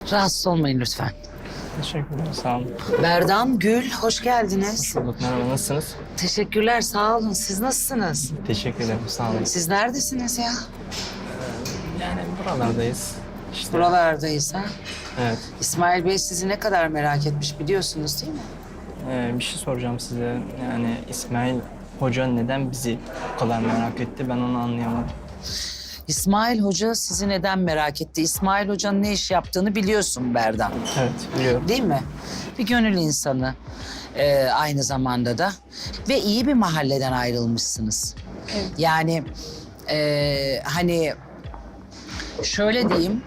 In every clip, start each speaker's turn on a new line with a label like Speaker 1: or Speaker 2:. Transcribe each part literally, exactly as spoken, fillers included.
Speaker 1: Rahatsız olmayın lütfen.
Speaker 2: Teşekkürler, sağ olun.
Speaker 1: Berdan, Gül, hoş geldiniz.
Speaker 2: Bulduk, merhaba, nasılsınız?
Speaker 1: Teşekkürler, sağ olun. Siz nasılsınız?
Speaker 2: Teşekkür ederim, sağ olun.
Speaker 1: Siz neredesiniz ya?
Speaker 2: Yani buralardayız. İşte,
Speaker 1: Buralardayız ha?
Speaker 2: evet.
Speaker 1: İsmail Bey sizi ne kadar merak etmiş biliyorsunuz değil mi?
Speaker 2: Ee, bir şey soracağım size. Yani İsmail Hoca neden bizi bu kadar merak etti? Ben onu anlayamadım.
Speaker 1: İsmail Hoca sizi neden merak etti? İsmail Hoca'nın ne iş yaptığını biliyorsun Berdan.
Speaker 2: Evet, biliyorum.
Speaker 1: Değil mi? Bir gönül insanı ee, aynı zamanda da. Ve iyi bir mahalleden ayrılmışsınız.
Speaker 3: Evet.
Speaker 1: Yani ee, hani şöyle diyeyim.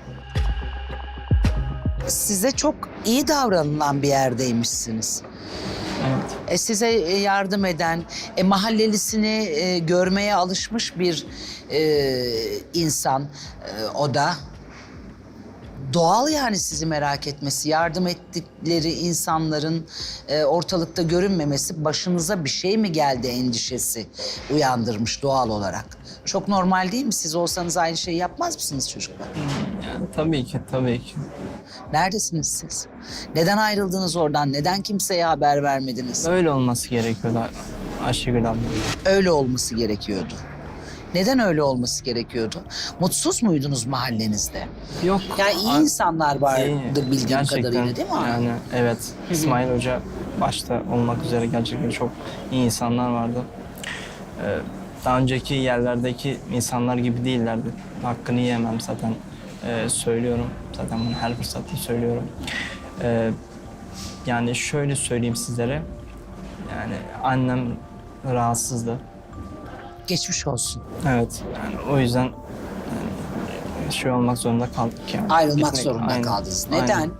Speaker 1: Size çok iyi davranılan bir yerdeymişsiniz.
Speaker 2: Evet.
Speaker 1: E, size yardım eden, e, mahallelisini e, görmeye alışmış bir e, insan e, o da. Doğal yani sizi merak etmesi, yardım ettikleri insanların e, ortalıkta görünmemesi, başınıza bir şey mi geldi endişesi uyandırmış doğal olarak. Çok normal değil mi? Siz olsanız aynı şeyi yapmaz mısınız çocuklar?
Speaker 2: Yani tabii ki, tabii ki.
Speaker 1: Neredesiniz siz? Neden ayrıldınız oradan? Neden kimseye haber vermediniz?
Speaker 2: Öyle olması gerekiyordu Ayşegül abla.
Speaker 1: Öyle olması gerekiyordu. Neden öyle olması gerekiyordu? Mutsuz muydunuz mahallenizde?
Speaker 2: Yok.
Speaker 1: Yani iyi
Speaker 2: a-
Speaker 1: insanlar vardı
Speaker 2: iyi.
Speaker 1: bildiğim
Speaker 2: Gerçekten,
Speaker 1: kadarıyla değil mi?
Speaker 2: Yani evet, İsmail Hoca başta olmak üzere gerçekten çok iyi insanlar vardı. Ee, daha önceki yerlerdeki insanlar gibi değillerdi. Hakkını yiyemem zaten, ee, söylüyorum. Zaten bunu her fırsatta söylüyorum. Ee, yani şöyle söyleyeyim sizlere. Yani annem rahatsızdı.
Speaker 1: Geçmiş olsun.
Speaker 2: Evet, yani o yüzden yani şey olmak zorunda kaldık yani.
Speaker 1: Ayrılmak
Speaker 2: Gitmek-
Speaker 1: zorunda
Speaker 2: aynen,
Speaker 1: kaldınız. Neden?
Speaker 2: aynen.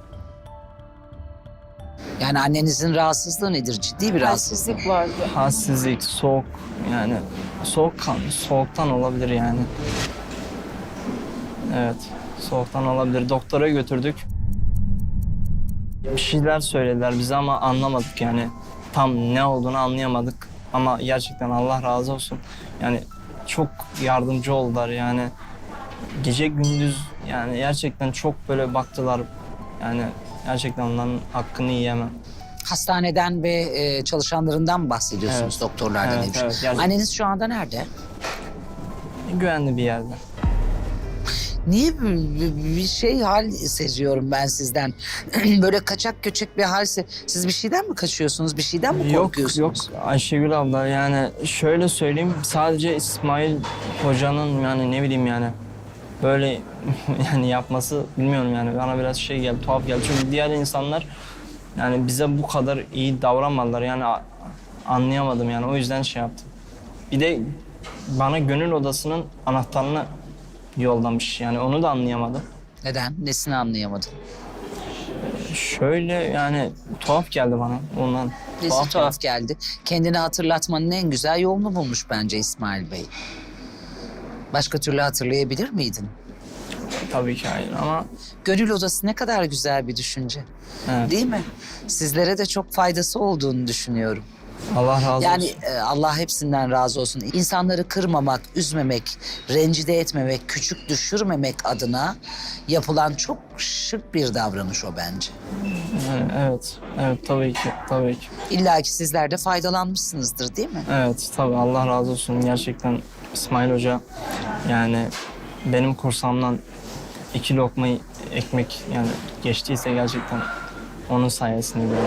Speaker 1: Yani annenizin rahatsızlığı nedir? Ciddi bir rahatsızlık.
Speaker 3: Halsizlik vardı.
Speaker 2: Halsizlik, soğuk, yani soğuk kan, soğuktan olabilir yani. Evet, soğuktan olabilir. Doktora götürdük. Bir şeyler söylediler bize ama anlamadık yani. Tam ne olduğunu anlayamadık. Ama gerçekten Allah razı olsun. Yani çok yardımcı oldular yani. Gece gündüz yani gerçekten çok böyle baktılar. Yani gerçekten onların hakkını yiyemem.
Speaker 1: Hastaneden ve e, çalışanlarından mı bahsediyorsunuz
Speaker 2: Evet.
Speaker 1: doktorlardan?
Speaker 2: Evet,
Speaker 1: hemşire?
Speaker 2: evet, gerçekten.
Speaker 1: Anneniz şu anda nerede?
Speaker 2: Güvenli bir yerde.
Speaker 1: Niye bir, bir- bir şey hal seziyorum ben sizden? Böyle kaçak göçek bir hal se... Siz bir şeyden mi kaçıyorsunuz? Bir şeyden mi
Speaker 2: Yok
Speaker 1: korkuyorsunuz?
Speaker 2: yok Ayşegül abla, yani şöyle söyleyeyim, sadece İsmail Hoca'nın yani ne bileyim yani böyle yani yapması bilmiyorum yani bana biraz şey geldi, tuhaf geldi. Çünkü diğer insanlar yani bize bu kadar iyi davranmadılar yani a- anlayamadım yani, o yüzden şey yaptım. Bir de bana gönül odasının anahtarını yollamış yani, onu da anlayamadım.
Speaker 1: Neden? Nesini anlayamadın?
Speaker 2: Şöyle yani tuhaf geldi bana ondan.
Speaker 1: Nesi tuhaf geldi. Kendini hatırlatmanın en güzel yolunu bulmuş bence İsmail Bey. Başka türlü hatırlayabilir miydin?
Speaker 2: Tabii ki hayır ama
Speaker 1: Gönül odası ne kadar güzel bir düşünce.
Speaker 2: evet.
Speaker 1: Değil mi? Sizlere de çok faydası olduğunu düşünüyorum.
Speaker 2: Allah razı
Speaker 1: Yani
Speaker 2: olsun.
Speaker 1: e, Allah hepsinden razı olsun. İnsanları kırmamak, üzmemek, rencide etmemek, küçük düşürmemek adına yapılan çok şık bir davranış o bence.
Speaker 2: Yani evet, evet tabii ki, tabii ki.
Speaker 1: İlla ki sizler de faydalanmışsınızdır değil mi?
Speaker 2: Evet, tabii Allah razı olsun. Gerçekten İsmail Hoca yani benim kursamdan iki lokma ekmek yani geçtiyse gerçekten onun sayesinde böyle.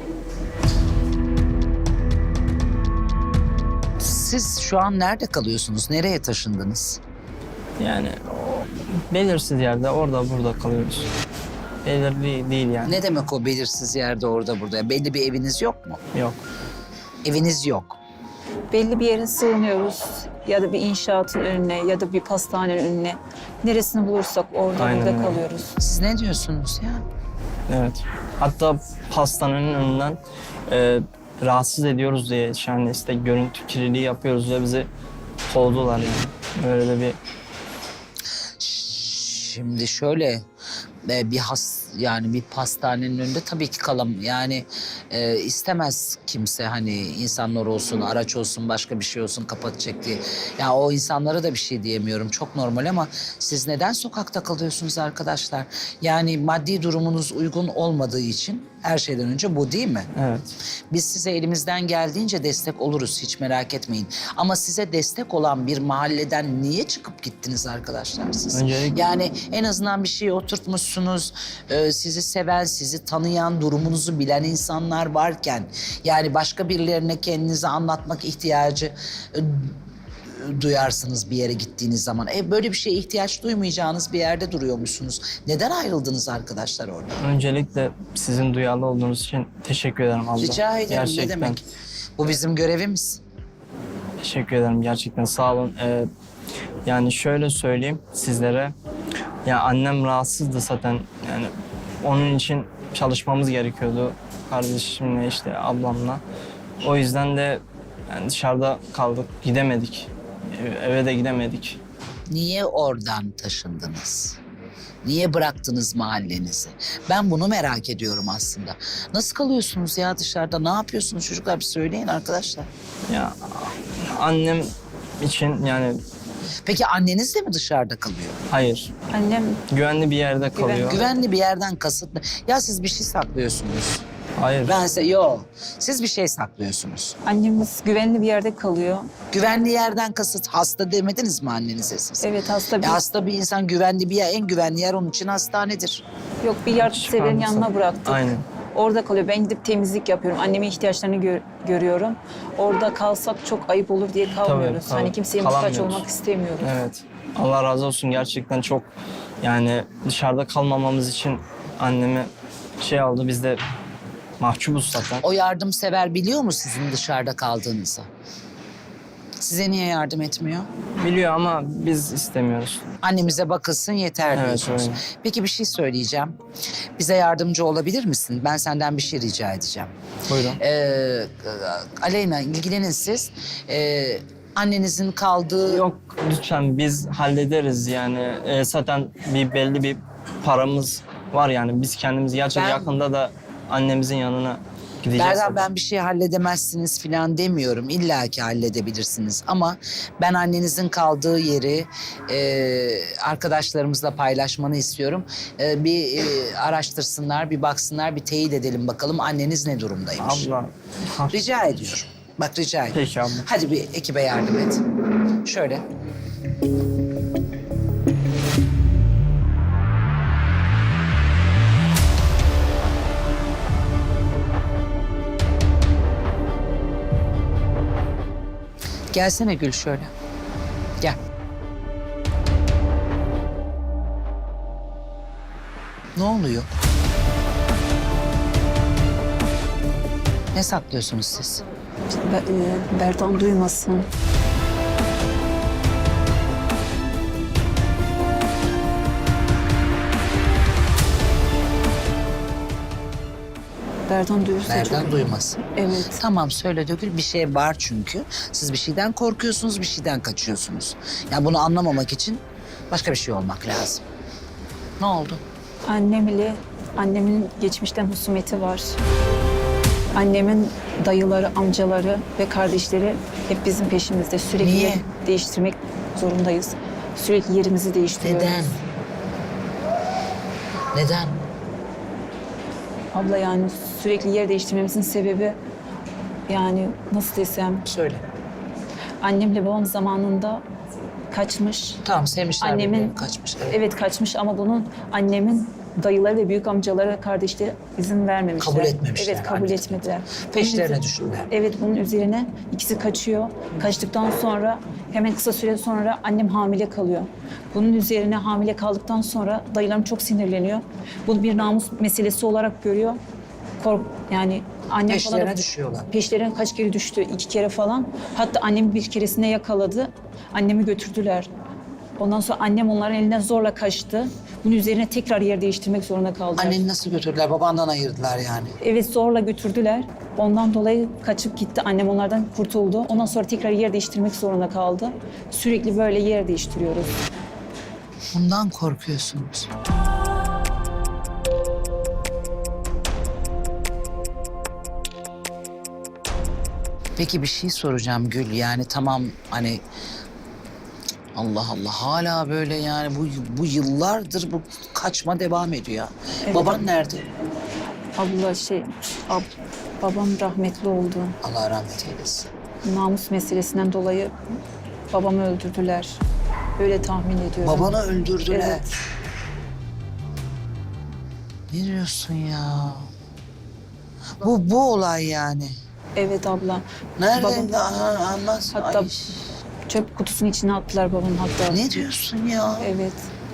Speaker 1: Siz şu an nerede kalıyorsunuz? Nereye taşındınız?
Speaker 2: Yani o belirsiz yerde orada burada kalıyoruz. Belirli değil yani.
Speaker 1: Ne demek o belirsiz yerde orada burada? Belli bir eviniz yok mu?
Speaker 2: Yok.
Speaker 1: Eviniz yok.
Speaker 3: Belli bir yere sığınıyoruz. Ya da bir inşaatın önüne ya da bir pastanenin önüne. Neresini bulursak orada
Speaker 2: Aynen
Speaker 3: burada
Speaker 2: öyle.
Speaker 3: kalıyoruz.
Speaker 1: Siz ne diyorsunuz ya?
Speaker 2: Evet. Hatta pastanenin önünden e, rahatsız ediyoruz diye yani işte görüntü kirliliği yapıyoruz ve bizi kovdular yani. Böyle de bir
Speaker 1: Şimdi şöyle, e, bir has yani bir pastanenin önünde tabii ki kalam yani e, istemez kimse hani insanlar olsun, araç olsun, başka bir şey olsun kapatacak diye. Ya o insanlara da bir şey diyemiyorum. Çok normal ama siz neden sokakta kalıyorsunuz arkadaşlar? Yani maddi durumunuz uygun olmadığı için her şeyden önce bu değil mi?
Speaker 2: Evet.
Speaker 1: Biz size elimizden geldiğince destek oluruz, hiç merak etmeyin. Ama size destek olan bir mahalleden niye çıkıp gittiniz arkadaşlar siz?
Speaker 2: Öncelikle-
Speaker 1: Yani en azından bir şeye oturtmuşsunuz, e, sizi seven, sizi tanıyan, durumunuzu bilen insanlar varken... ...yani başka birilerine kendinizi anlatmak ihtiyacı... e, duyarsınız bir yere gittiğiniz zaman. E, böyle bir şeye ihtiyaç duymayacağınız bir yerde duruyormuşsunuz. Neden ayrıldınız arkadaşlar orada?
Speaker 2: Öncelikle sizin duyarlı olduğunuz için teşekkür ederim abla.
Speaker 1: Rica ederim,
Speaker 2: Gerçekten.
Speaker 1: ne demek? Bu bizim görevimiz.
Speaker 2: Teşekkür ederim gerçekten sağ olun. Ee, yani şöyle söyleyeyim sizlere. Ya annem rahatsızdı zaten. Yani onun için çalışmamız gerekiyordu. Kardeşimle işte ablamla. O yüzden de yani dışarıda kaldık. Gidemedik. Eve- Eve de gidemedik.
Speaker 1: Niye oradan taşındınız? Niye bıraktınız mahallenizi? Ben bunu merak ediyorum aslında. Nasıl kalıyorsunuz ya dışarıda? Ne yapıyorsunuz çocuklar? Bir söyleyin arkadaşlar.
Speaker 2: Ya annem için yani
Speaker 1: Peki anneniz de mi dışarıda kalıyor?
Speaker 2: hayır.
Speaker 3: Annem
Speaker 2: Güvenli bir yerde kalıyor.
Speaker 1: Güvenli bir yerden kasıtlı. Ya siz bir şey saklıyorsunuz.
Speaker 2: Hayır.
Speaker 1: Bense yok. Siz bir şey saklıyorsunuz.
Speaker 3: annemiz güvenli bir yerde kalıyor.
Speaker 1: Güvenli yerden kasıt hasta demediniz mi annenize siz?
Speaker 3: Evet hasta
Speaker 1: E
Speaker 3: bir
Speaker 1: hasta bir insan güvenli bir yer, en güvenli yer onun için hastanedir.
Speaker 3: yok bir yardımseverin
Speaker 2: Çıkarmışsın.
Speaker 3: yanına bıraktık.
Speaker 2: Aynen.
Speaker 3: Orada kalıyor. Ben gidip temizlik yapıyorum. Annemin ihtiyaçlarını gö- görüyorum. Orada kalsak çok ayıp olur diye kalmıyoruz.
Speaker 2: tabii.
Speaker 3: Hani kimseye muhtaç
Speaker 2: Kalamıyoruz.
Speaker 3: olmak istemiyoruz.
Speaker 2: Evet. Allah razı olsun gerçekten çok yani dışarıda kalmamamız için annemi şey aldı biz de mahcubuz zaten.
Speaker 1: O yardımsever biliyor mu sizin dışarıda kaldığınızı? Size niye yardım etmiyor?
Speaker 2: Biliyor ama biz istemiyoruz.
Speaker 1: Annemize bakılsın yeter
Speaker 2: Evet,
Speaker 1: diyorsunuz.
Speaker 2: öyle.
Speaker 1: Peki bir şey söyleyeceğim. Bize yardımcı olabilir misin? Ben senden bir şey rica edeceğim.
Speaker 2: Buyurun.
Speaker 1: Ee, Aleyna ilgilenin siz. Ee, annenizin kaldığı...
Speaker 2: Yok lütfen biz hallederiz yani. E, zaten bir belli bir paramız var yani. Biz kendimiz gerçekten
Speaker 1: Ben-
Speaker 2: yakında da annemizin yanına gideceğiz.
Speaker 1: Berdan
Speaker 2: zaten.
Speaker 1: ben bir şey halledemezsiniz falan demiyorum. İlla ki halledebilirsiniz. Ama ben annenizin kaldığı yeri e, arkadaşlarımızla paylaşmanı istiyorum. E, bir e, araştırsınlar, bir baksınlar, bir teyit edelim bakalım anneniz ne durumdaymış.
Speaker 2: Abla. Ha,
Speaker 1: Rica ediyorum. Bak rica ediyorum.
Speaker 2: Peki abla.
Speaker 1: Hadi bir ekibe yardım et. Şöyle. Gelsene Gül şöyle. Gel. Ne oluyor? Ne saklıyorsunuz siz?
Speaker 3: Be- e, Berdan duymasın. Berdan duyursa
Speaker 1: Berdan
Speaker 3: çok...
Speaker 1: duymasın.
Speaker 3: Evet.
Speaker 1: Tamam söyle Dögül, bir şey var çünkü. Siz bir şeyden korkuyorsunuz, bir şeyden kaçıyorsunuz. Ya bunu anlamamak için başka bir şey olmak lazım. Ne oldu?
Speaker 3: Annem ile annemin geçmişten husumeti var. Annemin dayıları, amcaları ve kardeşleri hep bizim peşimizde. Sürekli
Speaker 1: Niye?
Speaker 3: yer değiştirmek zorundayız. Sürekli yerimizi değiştiriyoruz.
Speaker 1: Neden? Neden?
Speaker 3: Abla yani sürekli yer değiştirmemizin sebebi yani nasıl desem
Speaker 1: Söyle.
Speaker 3: annemle babam zamanında kaçmış.
Speaker 1: Tamam sevmişler
Speaker 3: Annemin
Speaker 1: birbirini, kaçmış. Evet.
Speaker 3: evet kaçmış ama bunun annemin dayıları ve büyük amcaları, kardeşleri izin vermemişler.
Speaker 1: Kabul etmemişler
Speaker 3: Evet kabul
Speaker 1: anneciğim.
Speaker 3: etmediler.
Speaker 1: Peşlerine
Speaker 3: Bunun üzeri-
Speaker 1: düştüler.
Speaker 3: Evet bunun üzerine ikisi kaçıyor. Kaçtıktan sonra hemen kısa süre sonra annem hamile kalıyor. Bunun üzerine hamile kaldıktan sonra dayılarım çok sinirleniyor. Bunu bir namus meselesi olarak görüyor. Kork yani annem falan
Speaker 1: Peşlerine
Speaker 3: da-
Speaker 1: düşüyorlar.
Speaker 3: Peşlerine kaç kere düştü? İki kere falan. Hatta annemi bir keresinde yakaladı. Annemi götürdüler. Ondan sonra annem onların elinden zorla kaçtı. Bunun üzerine tekrar yer değiştirmek zorunda kaldılar.
Speaker 1: Anneni nasıl götürdüler? Babandan ayırdılar yani.
Speaker 3: Evet zorla götürdüler. Ondan dolayı kaçıp gitti. Annem onlardan kurtuldu. Ondan sonra tekrar yer değiştirmek zorunda kaldı. Sürekli böyle yer değiştiriyoruz.
Speaker 1: Bundan korkuyorsunuz. Peki bir şey soracağım Gül. Yani tamam hani Allah Allah hala böyle yani bu bu yıllardır bu kaçma devam ediyor ya.
Speaker 3: Evet.
Speaker 1: Baban nerede?
Speaker 3: Abla şey, ab, babam rahmetli oldu.
Speaker 1: Allah rahmet eylesin.
Speaker 3: Namus meselesinden dolayı babamı öldürdüler. Öyle tahmin ediyorum.
Speaker 1: Babanı öldürdüler.
Speaker 3: Evet.
Speaker 1: Ne diyorsun ya? Bu bu olay yani.
Speaker 3: Evet abla.
Speaker 1: Nerede?
Speaker 3: Babam,
Speaker 1: Aha, anlat.
Speaker 3: hatta
Speaker 1: Ay,
Speaker 3: çöp kutusunun içine attılar babamı hatta.
Speaker 1: ne diyorsun ya?
Speaker 3: Evet.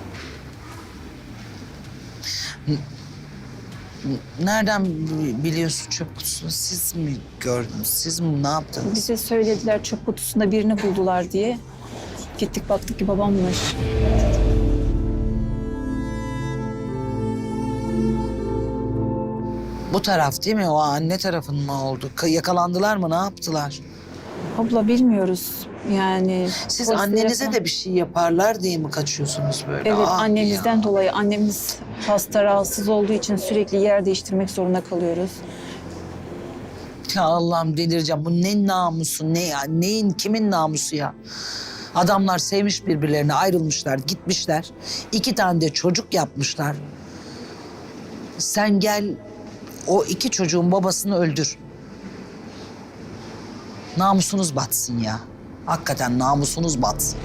Speaker 1: Nereden bi- biliyorsun çöp kutusunu? Siz mi gördünüz? Siz mi ne yaptınız?
Speaker 3: Bize söylediler çöp kutusunda birini buldular diye. Gittik baktık ki babammış.
Speaker 1: Bu taraf değil mi? O anne tarafın mı oldu? Ka- Yakalandılar mı? Ne yaptılar?
Speaker 3: Abla bilmiyoruz yani.
Speaker 1: Siz
Speaker 3: polislere
Speaker 1: annenize
Speaker 3: falan-
Speaker 1: de bir şey yaparlar diye mi kaçıyorsunuz böyle?
Speaker 3: Evet
Speaker 1: Ah
Speaker 3: annemizden
Speaker 1: ya.
Speaker 3: dolayı annemiz hasta rahatsız olduğu için sürekli yer değiştirmek zorunda kalıyoruz.
Speaker 1: Ya Allah'ım delireceğim. Bu ne namusu ne ya? Neyin kimin namusu ya? Adamlar sevmiş birbirlerine ayrılmışlar gitmişler. İki tane de çocuk yapmışlar. Sen gel o iki çocuğun babasını öldür. Namusunuz batsın ya. Hakikaten namusunuz batsın.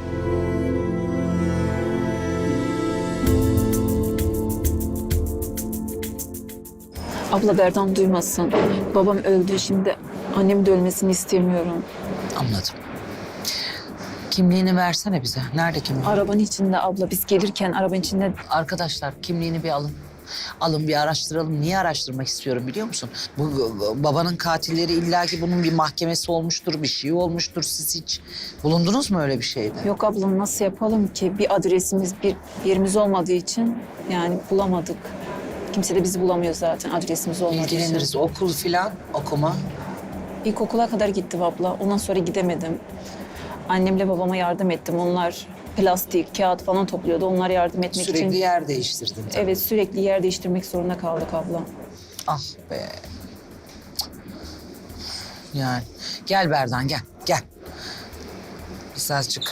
Speaker 3: Abla Berdan duymasın. Babam öldü şimdi annemin de ölmesini istemiyorum.
Speaker 1: Anladım. Kimliğini versene bize. Nerede kimliğin?
Speaker 3: Arabanın içinde abla biz gelirken arabanın içinde
Speaker 1: Arkadaşlar kimliğini bir alın. Alın bir araştıralım. Niye araştırmak istiyorum biliyor musun? Bu bu- babanın katilleri illaki bunun bir mahkemesi olmuştur, bir şey olmuştur. Siz hiç bulundunuz mu öyle bir şeyde?
Speaker 3: yok abla nasıl yapalım ki bir adresimiz bir yerimiz olmadığı için yani bulamadık. Kimse de bizi bulamıyor zaten adresimiz olmadığı
Speaker 1: İlgileniriz.
Speaker 3: için.
Speaker 1: Okul filan okuma.
Speaker 3: İlkokula kadar gittim abla. Ondan sonra gidemedim. Annemle babama yardım ettim. Onlar plastik, kağıt falan topluyordu. Onlara yardım etmek
Speaker 1: Sürekli
Speaker 3: için.
Speaker 1: yer değiştirdin. tabii.
Speaker 3: Evet sürekli yer değiştirmek zorunda kaldık abla.
Speaker 1: Ah be. Yani gel Berdan gel gel. Biz azıcık.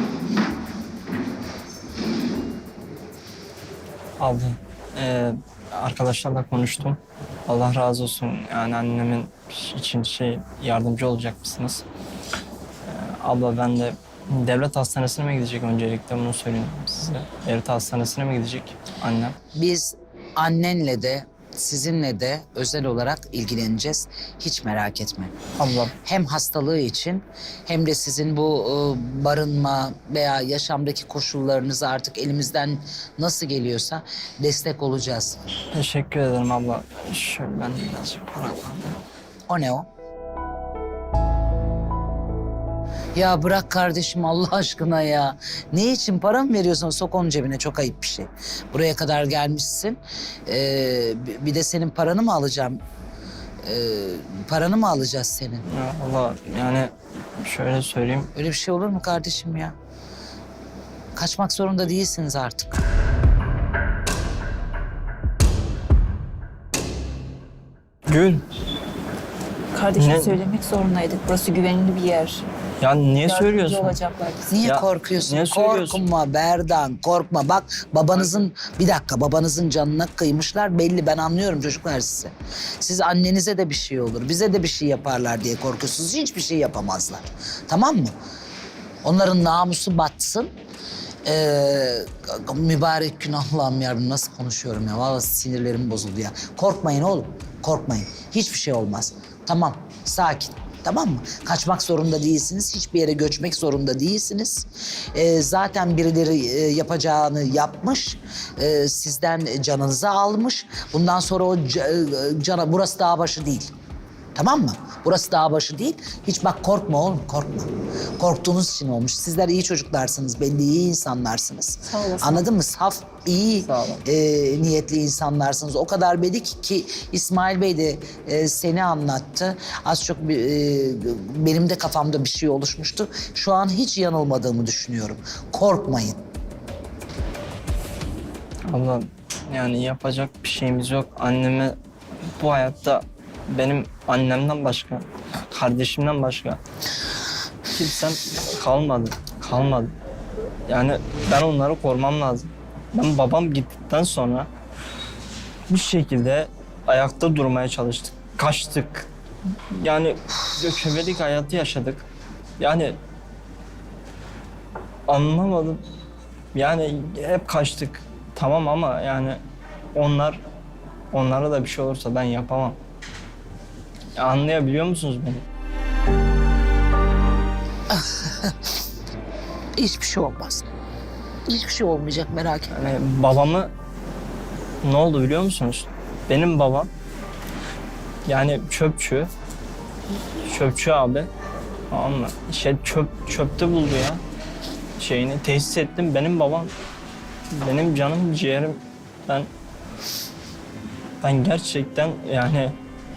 Speaker 2: Abla, e, arkadaşlarla konuştum. Allah razı olsun. Yani annemin için şey yardımcı olacak mısınız? E, abla ben de devlet hastanesine mi gidecek öncelikle bunu söyleyeyim size. Devlet hastanesine mi gidecek annem?
Speaker 1: Biz annenle de sizinle de özel olarak ilgileneceğiz. Hiç merak etme.
Speaker 2: Abla
Speaker 1: Hem hastalığı için hem de sizin bu e, barınma veya yaşamdaki koşullarınızı artık elimizden nasıl geliyorsa destek olacağız.
Speaker 2: teşekkür ederim abla. Şöyle ben de birazcık para alayım.
Speaker 1: O ne o? Ya bırak kardeşim Allah aşkına ya. Ne için para mı veriyorsun? Sok onun cebine, çok ayıp bir şey. Buraya kadar gelmişsin. Ee, bi- bir de senin paranı mı alacağım? Ee, paranı mı alacağız senin?
Speaker 2: Ya abla yani şöyle söyleyeyim.
Speaker 1: Öyle bir şey olur mu kardeşim ya? Kaçmak zorunda değilsiniz artık.
Speaker 2: Gül.
Speaker 3: Kardeşim
Speaker 2: Ne?
Speaker 3: söylemek zorundaydık. Burası güvenli bir yer.
Speaker 2: Ya niye
Speaker 3: Yardımcı
Speaker 2: söylüyorsun?
Speaker 3: olacaklar bize.
Speaker 1: Niye
Speaker 2: Ya,
Speaker 1: korkuyorsun?
Speaker 2: niye söylüyorsun?
Speaker 1: Korkma Berdan, korkma. Bak babanızın, bir dakika babanızın canına kıymışlar belli. Ben anlıyorum çocuklar sizi. Siz annenize de bir şey olur, bize de bir şey yaparlar diye korkuyorsunuz. Hiçbir şey yapamazlar. Tamam mı? Onların namusu batsın. Ee, mübarek gün Allah'ım yarabbim nasıl konuşuyorum ya. Vallahi sinirlerim bozuldu ya. Korkmayın oğlum, korkmayın. Hiçbir şey olmaz. Tamam, sakin. Tamam mı? Kaçmak zorunda değilsiniz. Hiçbir yere göçmek zorunda değilsiniz. Ee, zaten birileri e, yapacağını yapmış. Ee, sizden canınızı almış. Bundan sonra o ca- cana, burası dağ başı değil. Tamam mı? Burası dağ başı değil. Hiç bak korkma oğlum, korkma. Korktuğunuz için olmuş. Sizler iyi çocuklarsınız, belli iyi insanlarsınız.
Speaker 3: Sağ olasın.
Speaker 1: Anladın mı? Saf, iyi
Speaker 2: Sağ olun.
Speaker 1: e, niyetli insanlarsınız. O kadar belli ki, ki İsmail Bey de e, seni anlattı. Az çok bir, e, benim de kafamda bir şey oluşmuştu. Şu an hiç yanılmadığımı düşünüyorum. Korkmayın.
Speaker 2: Abla yani yapacak bir şeyimiz yok. Anneme bu hayatta benim annemden başka kardeşimden başka kimsem kalmadı. Kalmadı. Yani ben onları korumam lazım. Ben babam gittikten sonra bir şekilde ayakta durmaya çalıştık. Kaçtık. Yani göçebelik hayatı yaşadık. Yani anlamadım. Yani hep kaçtık. Tamam ama yani onlar onlara da bir şey olursa ben yapamam. Ya anlayabiliyor musunuz beni?
Speaker 1: Hiçbir şey olmaz. Hiçbir şey olmayacak, merak etme.
Speaker 2: Yani babamı ne oldu biliyor musunuz? Benim babam yani çöpçü. Çöpçü abi. Tamam mı? Şey çöp çöpte buldu ya. Şeyini tesis ettim. Benim babam benim canım ciğerim. Ben ben gerçekten yani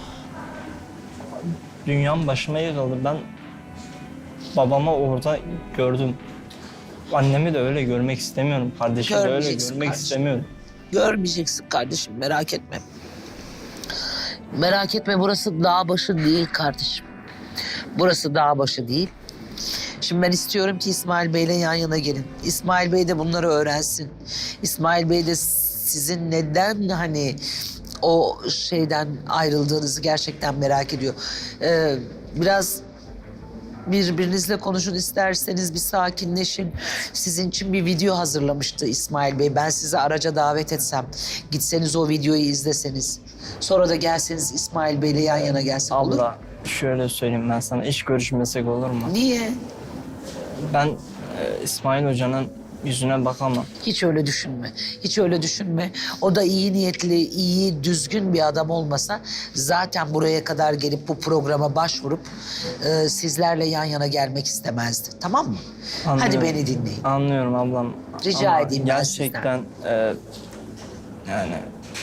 Speaker 2: dünyam başıma yıkıldı. Ben babamı orada gördüm. Annemi de öyle görmek istemiyorum. Kardeşimi de öyle
Speaker 1: Görmeyeceksin
Speaker 2: görmek
Speaker 1: kardeşim.
Speaker 2: istemiyorum.
Speaker 1: Görmeyeceksin kardeşim, merak etme. Merak etme, burası dağ başı değil kardeşim. Burası dağ başı değil. Şimdi ben istiyorum ki İsmail Bey'le yan yana gelin. İsmail Bey de bunları öğrensin. İsmail Bey de sizin neden hani o şeyden ayrıldığınızı gerçekten merak ediyor. Ee, biraz birbirinizle konuşun, isterseniz bir sakinleşin. Sizin için bir video hazırlamıştı İsmail Bey. Ben sizi araca davet etsem, gitseniz o videoyu izleseniz. Sonra da gelseniz İsmail Bey'le yan yana gelsin, olur mu?
Speaker 2: Abla şöyle söyleyeyim ben sana. İş görüşmesek olur mu?
Speaker 1: Niye?
Speaker 2: Ben e, İsmail Hoca'nın yüzüne bakamam.
Speaker 1: Hiç öyle düşünme. Hiç öyle düşünme. O da iyi niyetli, iyi, düzgün bir adam olmasa zaten buraya kadar gelip bu programa başvurup e, sizlerle yan yana gelmek istemezdi. Tamam mı? Hadi
Speaker 2: Anlıyorum.
Speaker 1: beni dinleyin.
Speaker 2: Anlıyorum ablam.
Speaker 1: Rica
Speaker 2: Ama
Speaker 1: edeyim ben
Speaker 2: gerçekten e, yani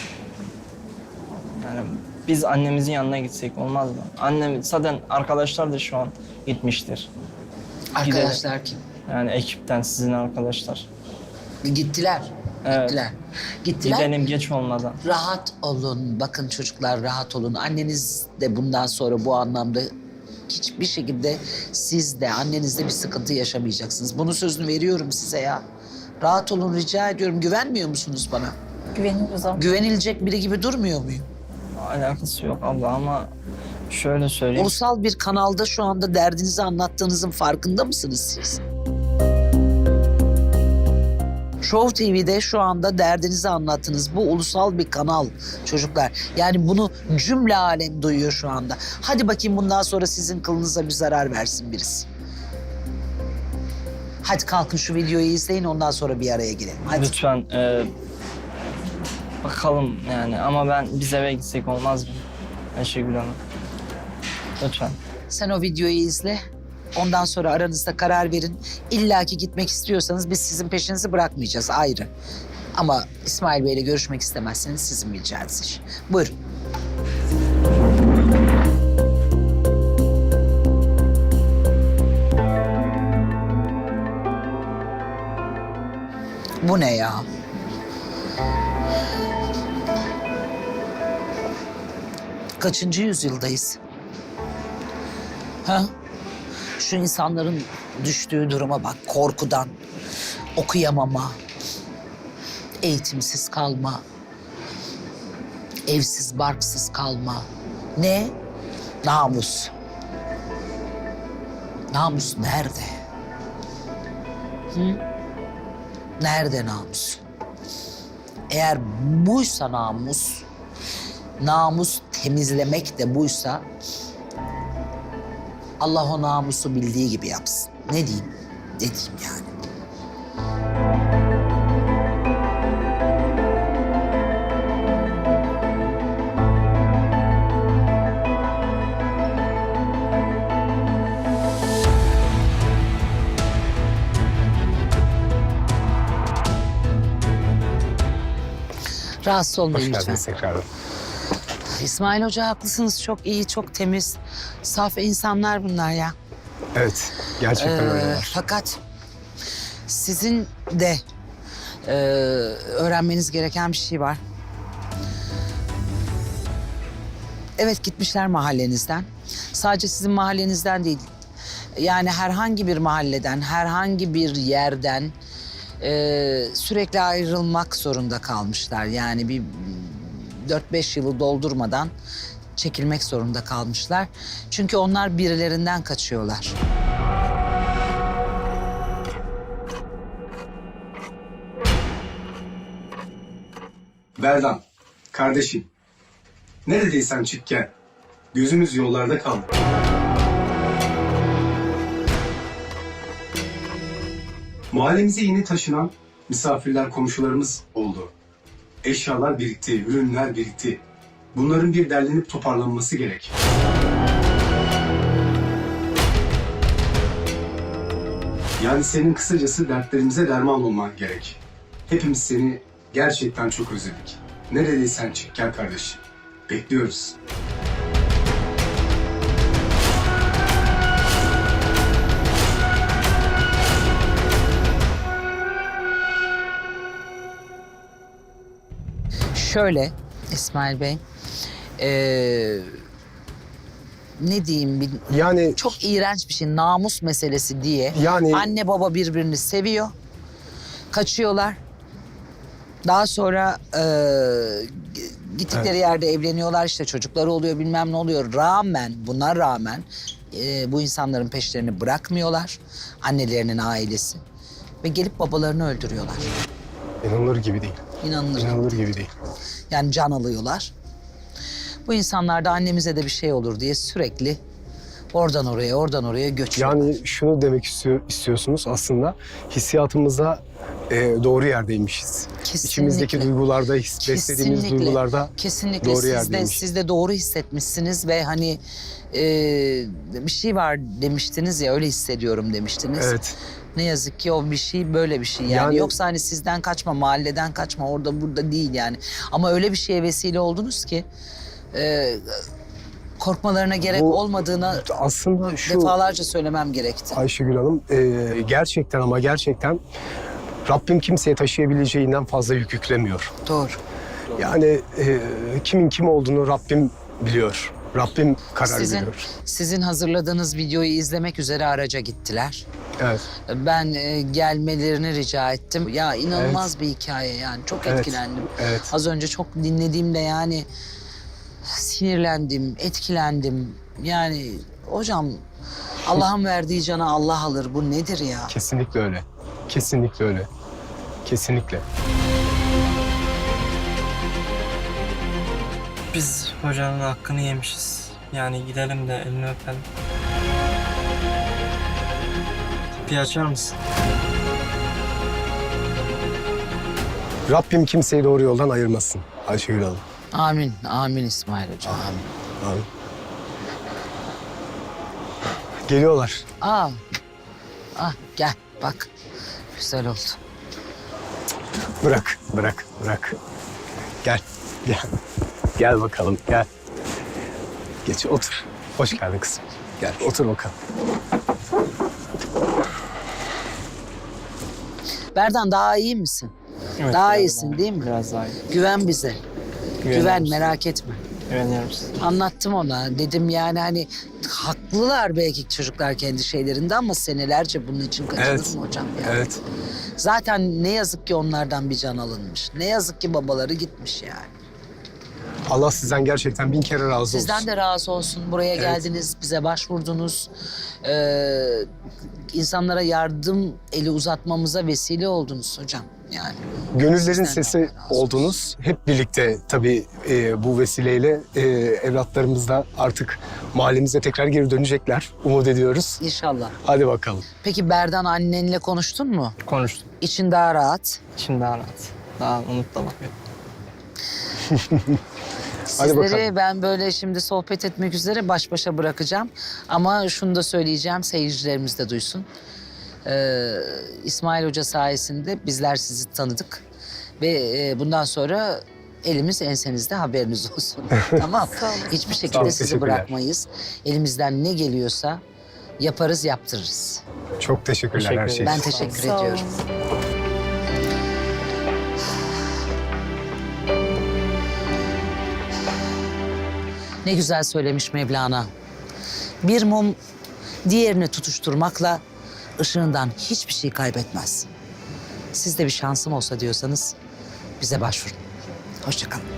Speaker 2: yani biz annemizin yanına gitsek olmaz mı? Annem zaten arkadaşlar da şu an gitmiştir.
Speaker 1: Arkadaşlar kim?
Speaker 2: Yani ekipten sizin arkadaşlar.
Speaker 1: Gittiler.
Speaker 2: Evet.
Speaker 1: Gittiler. Gittiler.
Speaker 2: Gidelim geç olmadan.
Speaker 1: Rahat olun. Bakın çocuklar, rahat olun. Anneniz de bundan sonra bu anlamda hiçbir şekilde siz de annenizde bir sıkıntı yaşamayacaksınız. Bunun sözünü veriyorum size ya. Rahat olun, rica ediyorum. Güvenmiyor musunuz bana?
Speaker 3: Güveniyoruz abla.
Speaker 1: Güvenilecek biri gibi durmuyor muyum?
Speaker 2: Alakası yok abla ama şöyle söyleyeyim.
Speaker 1: Ulusal bir kanalda şu anda derdinizi anlattığınızın farkında mısınız siz? Show T V'de şu anda derdinizi anlattınız. Bu ulusal bir kanal çocuklar. Yani bunu cümle alem duyuyor şu anda. Hadi bakayım bundan sonra sizin kılınıza bir zarar versin birisi. Hadi kalkın şu videoyu izleyin, ondan sonra bir araya girelim. Hadi.
Speaker 2: Lütfen e, bakalım yani ama ben biz eve gitsek olmaz mı? Ayşegül Hanım. Lütfen.
Speaker 1: Sen o videoyu izle. Ondan sonra aranızda karar verin. İlla ki gitmek istiyorsanız biz sizin peşinizi bırakmayacağız, ayrı. Ama İsmail Bey'le görüşmek istemezseniz sizin bileceğiniz iş. Buyurun. Bu ne ya? Kaçıncı yüzyıldayız? Ha? Şu insanların düştüğü duruma bak, korkudan, okuyamama, eğitimsiz kalma, evsiz barksız kalma. Ne? Namus. Namus nerede? Hı? Nerede namus? Eğer buysa namus, namus temizlemek de buysa, Allah o namusu bildiği gibi yapsın. Ne diyeyim? Ne diyeyim yani? Rahatsız olmayın
Speaker 4: Hoş
Speaker 1: lütfen.
Speaker 4: geldiniz tekrardan.
Speaker 1: İsmail Hoca haklısınız. Çok iyi, çok temiz, saf insanlar bunlar ya.
Speaker 4: Evet, gerçekten
Speaker 1: Ee,
Speaker 4: öyleler.
Speaker 1: fakat sizin de e, öğrenmeniz gereken bir şey var. Evet, gitmişler mahallenizden. Sadece sizin mahallenizden değil. Yani herhangi bir mahalleden, herhangi bir yerden e, sürekli ayrılmak zorunda kalmışlar. Yani bir dört beş yılı doldurmadan çekilmek zorunda kalmışlar. Çünkü onlar birilerinden kaçıyorlar.
Speaker 4: Berdan, kardeşim. Neredeysen çık gel. Gözümüz yollarda kaldı. Mahallemize yeni taşınan misafirler, komşularımız oldu. Eşyalar birikti, ürünler birikti. Bunların bir derlenip toparlanması gerek. Yani senin kısacası dertlerimize derman olman gerek. Hepimiz seni gerçekten çok özledik. Neredeysen çık gel kardeşim. Bekliyoruz.
Speaker 1: Şöyle İsmail Bey, ee, ne diyeyim, bir,
Speaker 4: Yani
Speaker 1: çok iğrenç bir şey, namus meselesi diye.
Speaker 4: Yani-
Speaker 1: Anne baba birbirini seviyor, kaçıyorlar. Daha sonra ee, gittikleri
Speaker 4: Evet.
Speaker 1: yerde evleniyorlar, işte çocukları oluyor, bilmem ne oluyor. Rağmen, buna rağmen ee, bu insanların peşlerini bırakmıyorlar, annelerinin ailesi. Ve gelip babalarını öldürüyorlar.
Speaker 4: inanılır gibi değil.
Speaker 1: İnanılır.
Speaker 4: İnanılır gibi değil.
Speaker 1: Yani can alıyorlar. Bu insanlar da annemize de bir şey olur diye sürekli oradan oraya, oradan oraya göçüyorlar.
Speaker 4: Yani şunu demek istiyor, istiyorsunuz aslında, hissiyatımıza e, doğru yerdeymişiz.
Speaker 1: Kesinlikle.
Speaker 4: İçimizdeki duygularda, his, beslediğimiz duygularda
Speaker 1: kesinlikle
Speaker 4: doğru
Speaker 1: siz de,
Speaker 4: yerdeymiş.
Speaker 1: siz de doğru hissetmişsiniz ve hani e, bir şey var demiştiniz ya, öyle hissediyorum demiştiniz.
Speaker 4: Evet.
Speaker 1: Ne yazık ki o bir şey, böyle bir şey yani.
Speaker 4: Yani-
Speaker 1: Yoksa hani sizden kaçma, mahalleden kaçma, orada burada değil yani. Ama öyle bir şeye vesile oldunuz ki e, korkmalarına gerek
Speaker 4: Bu-
Speaker 1: olmadığını
Speaker 4: Aslında şu
Speaker 1: defalarca söylemem gerekti.
Speaker 4: Ayşegül Hanım, e, gerçekten ama gerçekten Rabbim kimseye taşıyabileceğinden fazla yük yüklemiyor.
Speaker 1: Doğru.
Speaker 4: Yani e, kimin kim olduğunu Rabbim biliyor. Rabbim karar
Speaker 1: Sizin,
Speaker 4: veriyor.
Speaker 1: sizin hazırladığınız videoyu izlemek üzere araca gittiler.
Speaker 4: Evet.
Speaker 1: Ben e, gelmelerini rica ettim. Ya inanılmaz bir hikaye yani. Çok
Speaker 4: Evet.
Speaker 1: etkilendim.
Speaker 4: Evet.
Speaker 1: Az önce çok dinlediğimde yani sinirlendim, etkilendim. Yani hocam, Allah'ın verdiği cana Allah alır. Bu nedir ya?
Speaker 4: Kesinlikle öyle. Kesinlikle öyle. Kesinlikle.
Speaker 2: Biz hocanın hakkını yemişiz. Yani gidelim de elini öpelim. Kapıyı açar mısın?
Speaker 4: Rabbim kimseyi doğru yoldan ayırmasın Ayşegül Hanım.
Speaker 1: Amin, amin İsmail Hocam. Amin.
Speaker 4: Amin. Geliyorlar.
Speaker 1: Aa, ah gel bak. Güzel oldu.
Speaker 4: Bırak, bırak, bırak. Gel, gel. Gel bakalım, gel. Geç, otur. Hoş geldin kızım. Gel, otur bakalım.
Speaker 1: Berdan, daha iyi misin?
Speaker 2: Evet,
Speaker 1: daha
Speaker 2: biraz
Speaker 1: iyisin
Speaker 2: daha-
Speaker 1: değil mi?
Speaker 2: Biraz daha iyi.
Speaker 1: Güven bize.
Speaker 2: Güveniyorum
Speaker 1: Güven,
Speaker 2: size.
Speaker 1: merak etme.
Speaker 2: Güveniyorum size.
Speaker 1: Anlattım ona. Dedim yani hani haklılar belki çocuklar kendi şeylerinde ama senelerce bunun için kaçılır
Speaker 4: Evet.
Speaker 1: mı hocam? Yani?
Speaker 4: Evet.
Speaker 1: Zaten ne yazık ki onlardan bir can alınmış. Ne yazık ki babaları gitmiş yani.
Speaker 4: Allah sizden gerçekten bin kere razı olsun.
Speaker 1: Sizden de razı olsun. Buraya
Speaker 4: Evet.
Speaker 1: geldiniz, bize başvurdunuz. Ee, insanlara yardım eli uzatmamıza vesile oldunuz hocam. Yani
Speaker 4: Gönüllerin
Speaker 1: Sizden de
Speaker 4: sesi
Speaker 1: Allah razı olsun.
Speaker 4: oldunuz. Hep birlikte tabii e, bu vesileyle e, evlatlarımız da artık mahallemize tekrar geri dönecekler. Umut ediyoruz.
Speaker 1: İnşallah.
Speaker 4: Hadi bakalım.
Speaker 1: Peki Berdan, annenle konuştun mu?
Speaker 2: Konuştum.
Speaker 1: İçin daha rahat.
Speaker 2: Şimdi daha rahat. Daha umutla bakıyorum.
Speaker 4: Hadi
Speaker 1: Sizleri
Speaker 4: bakalım.
Speaker 1: ben böyle şimdi sohbet etmek üzere baş başa bırakacağım. Ama şunu da söyleyeceğim, seyircilerimiz de duysun. Ee, İsmail Hoca sayesinde bizler sizi tanıdık. Ve e, bundan sonra elimiz ensenizde, haberiniz olsun. Tamam. Hiçbir
Speaker 4: Sağ
Speaker 1: şekilde
Speaker 4: olun,
Speaker 1: sizi
Speaker 4: teşekkürler.
Speaker 1: bırakmayız. Elimizden ne geliyorsa yaparız, yaptırırız.
Speaker 4: Çok teşekkürler
Speaker 2: Teşekkür
Speaker 4: her şey
Speaker 2: ederim.
Speaker 1: Ben
Speaker 4: için.
Speaker 1: teşekkür
Speaker 3: Sağ olun.
Speaker 1: ediyorum. Ne güzel söylemiş Mevlana. Bir mum diğerini tutuşturmakla ışığından hiçbir şey kaybetmez. Siz de bir şansım olsa diyorsanız bize başvurun. Hoşça kalın.